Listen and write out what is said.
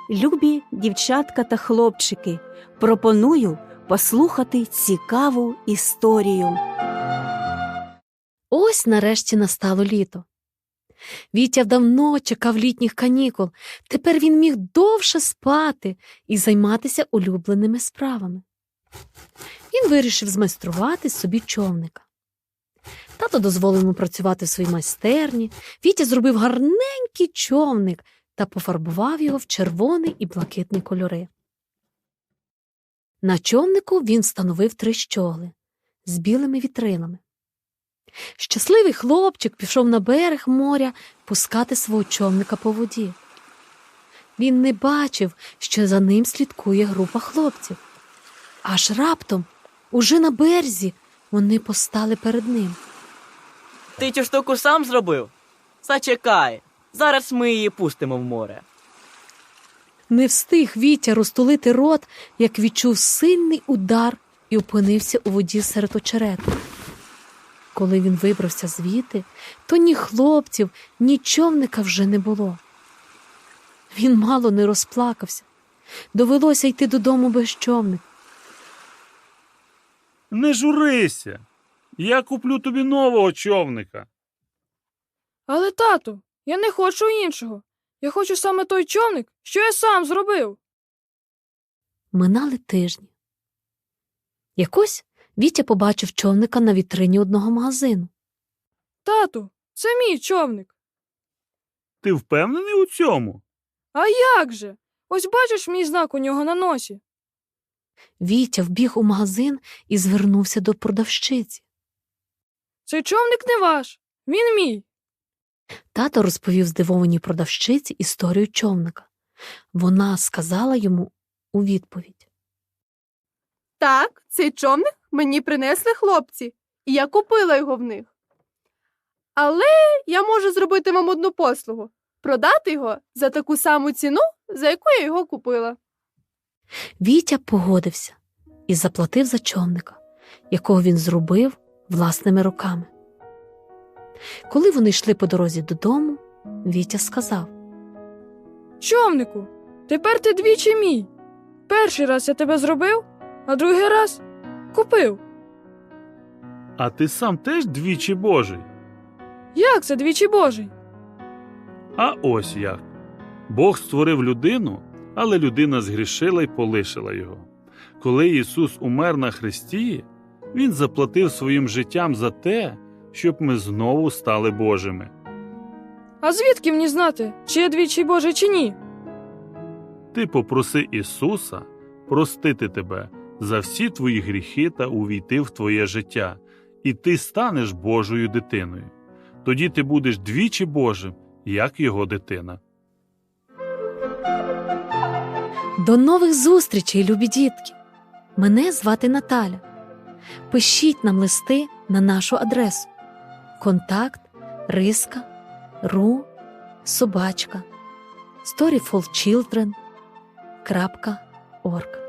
Любі дівчатка та хлопчики, пропоную послухати цікаву історію. Ось нарешті настало літо. Вітя давно чекав літніх канікул. Тепер він міг довше спати і займатися улюбленими справами. Він вирішив змайструвати собі човника. Тато дозволив йому працювати в своїй майстерні. Вітя зробив гарненький човник та пофарбував його в червоний і блакитний кольори. На човнику він встановив 3 щогли з білими вітрилами. Щасливий хлопчик пішов на берег моря пускати свого човника по воді. Він не бачив, що за ним слідкує група хлопців. Аж раптом, уже на березі, вони постали перед ним. Ти цю штуку сам зробив? Зачекай, зараз ми її пустимо в море. Не встиг Вітя розтулити рот, як відчув сильний удар і опинився у воді серед очерету. Коли він вибрався звідти, то ні хлопців, ні човника вже не було. Він мало не розплакався. Довелося йти додому без човника. Не журися. Я куплю тобі нового човника. Але, тату, я не хочу іншого. Я хочу саме той човник, що я сам зробив. Минали тижні. Якось Вітя побачив човника на вітрині одного магазину. Тату, це мій човник. Ти впевнений у цьому? А як же? Ось бачиш мій знак у нього на носі. Вітя вбіг у магазин і звернувся до продавщиці. Цей човник не ваш, він мій. Тато розповів здивованій продавщиці історію човника. Вона сказала йому у відповідь. Так, цей човник мені принесли хлопці, і я купила його в них. Але я можу зробити вам одну послугу – продати його за таку саму ціну, за яку я його купила. Вітя погодився і заплатив за човника, якого він зробив власними руками. Коли вони йшли по дорозі додому, Вітя сказав. Човнику, тепер ти двічі мій. Перший раз я тебе зробив, а другий раз купив. А ти сам теж двічі Божий? Як це двічі Божий? А ось як. Бог створив людину, але людина згрішила й полишила його. Коли Ісус умер на хресті, Він заплатив своїм життям за те, щоб ми знову стали Божими. А звідки мені знати, чи я двічі Божий, чи ні? Ти попроси Ісуса простити тебе за всі твої гріхи та увійти в твоє життя, і ти станеш Божою дитиною. Тоді ти будеш двічі Божим, як його дитина. До нових зустрічей, любі дітки! Мене звати Наталя. Пишіть нам листи на нашу адресу contact@ru@storyfulchildren.org